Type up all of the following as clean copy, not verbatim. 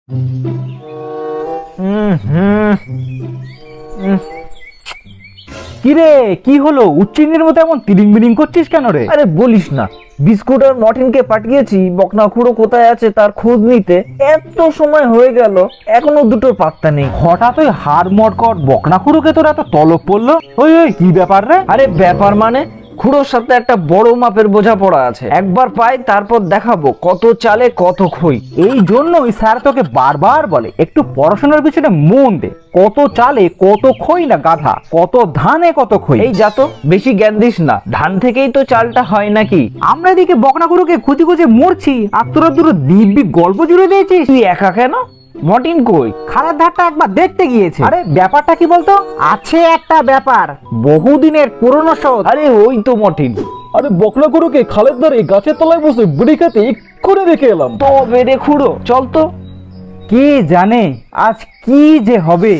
কিরে, কি হলো? উচ্চিঙ্গের মতো এমন তিরিং বিরিং করছিস কেন রে? আরে বলিস না, বিস্কুট আর মর্টিনকে পাঠিয়েছি বকনাখুড়ো কোথায় আছে তার খোঁজ নিতে। এত সময় হয়ে গেল, এখনো দুটোর পাত্তা নেই। হঠাৎ ওই হাড় মটকট বকনাখুড়োকে তোর এত তলব পড়লো? ওই ওই কি ব্যাপার রে? আরে ব্যাপার মানে, খুড়োর সাথে একটা বড় মাপের বোঝাপড়া আছে। একবার পাই তারপর দেখাবো কত চালে কত খই। এই জন্যই স্যার তোকে বারবার বলে একটু পড়াশোনার পিছনে মন দে। কত চালে কত খই না গাধা, কত ধানে কত খই। এই যা তো, বেশি জ্ঞান দিস না, ধান থেকেই তো চালটা হয় নাকি? আমরা এদিকে বকনাখুড়োকে খুঁজে খুঁজে মরছি, আর তোরা দুটো দিব্যি গল্প জুড়ে দিয়েছিস। তুই একা কেন? মর্টিন কই? খারাপ ধারটা একবার দেখতে গিয়েছে। আরে ব্যাপারটা কি বলতো? আছে একটা ব্যাপার, বহুদিনের পুরনো শোধ। আরে ওই তো মর্টিন। আরে বকনাখুড়োকে খালের ধারে গাছের তলায় বসে বিড়ি খেতে এক্ষুনি রেখে এলাম। তবে রে খুড়ো, চল তো। কে জানে আজ কি যে হবে।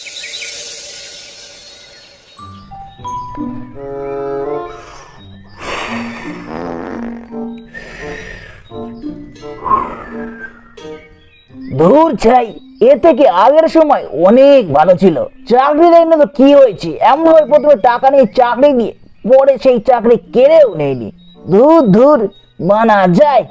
ধুর ছাই, এ থেকে আগের সময় অনেক ভালো ছিল। চাকরি দেয় না তো কি হয়েছে, এমন ভাবে প্রথমে টাকা নিয়ে চাকরি দিয়ে পরে সেই চাকরি কেড়েও নেয়নি। ধুর ধুর, মানা যায়।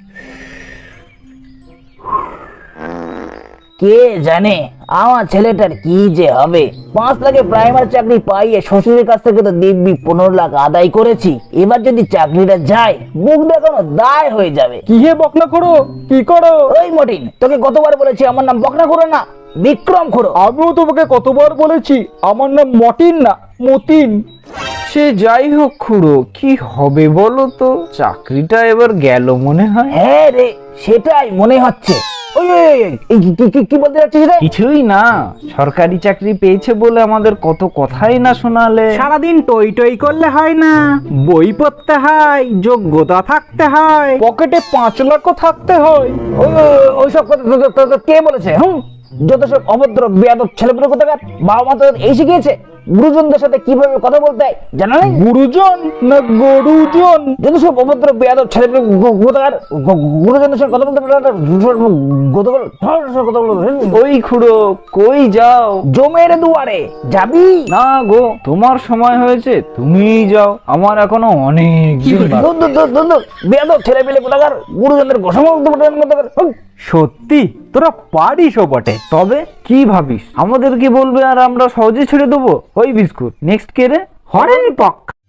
কে জানে আমার ছেলেটার কি যে হবে। 5 লাখে প্রাইমারি চাকরি পাইয়ে শ্বশুরের কাছ থেকে তো দিব্যি 15 লাখ আদায় করেছি। এবার যদি চাকরিটা যায়, মুখ দেখানো দায় হয়ে যাবে। কি হে বকনাখুড়ো, কি করো? ওই মটিন, তোকে কতবার বলেছি আমার নাম বকনাখুড়ো না, বিক্রম খুড়ো। আমিও তোমাকে কতবার বলেছি আমার নাম মটিন না, মতিন। সে যাই হোক খুড়ো, কি হবে বলো তো? চাকরিটা এবার গেল মনে হয়। হ্যাঁ রে, সেটাই মনে হচ্ছে। ওই ওই ওই, ওই, এই কি বলতে যাচ্ছিস রে? কিছুই না, সরকারি চাকরি পেয়েছে বলে আমাদের কত কথাই না শোনালে। সারাদিন টই টই করলে হয় না, বই পড়তে হয়, যোগ্যতা থাকতে হয়, পকেটে 5 লাখও থাকতে হয়। ওইসব কথা তোদের কে বলেছে? যত সব অভদ্র বেয়াদব ছেলেপুলে কোথাকার। বাবা মা তোদের এই শিখিয়েছে গুরুজনদের সাথে কিভাবে কথা বলতে হয়, জানা নেই? গুরুজন না গরুজন? যত সব অভদ্র বেয়াদব ছেলেপুলে কোথাকার গুরুজনদের সঙ্গে কথা বলতে ওই খুড়ো, কই যাও? জমের দুয়ারে যাবি? না গো, তোমার সময় হয়েছে, তুমিই যাও, আমার এখনো অনেক দিন বাকি। বেয়াদব ছেলেপিলে কোথাকার, গুরুজনদের ঘোষণা। সত্যি তোরা পারিসও বটে। তবে কি ভাবিস, আমাদের কি বলবে আর আমরা সহজে ছেড়ে দেবো? ওই বিস্কুট, নেক্সট কে রে? হরেন পক।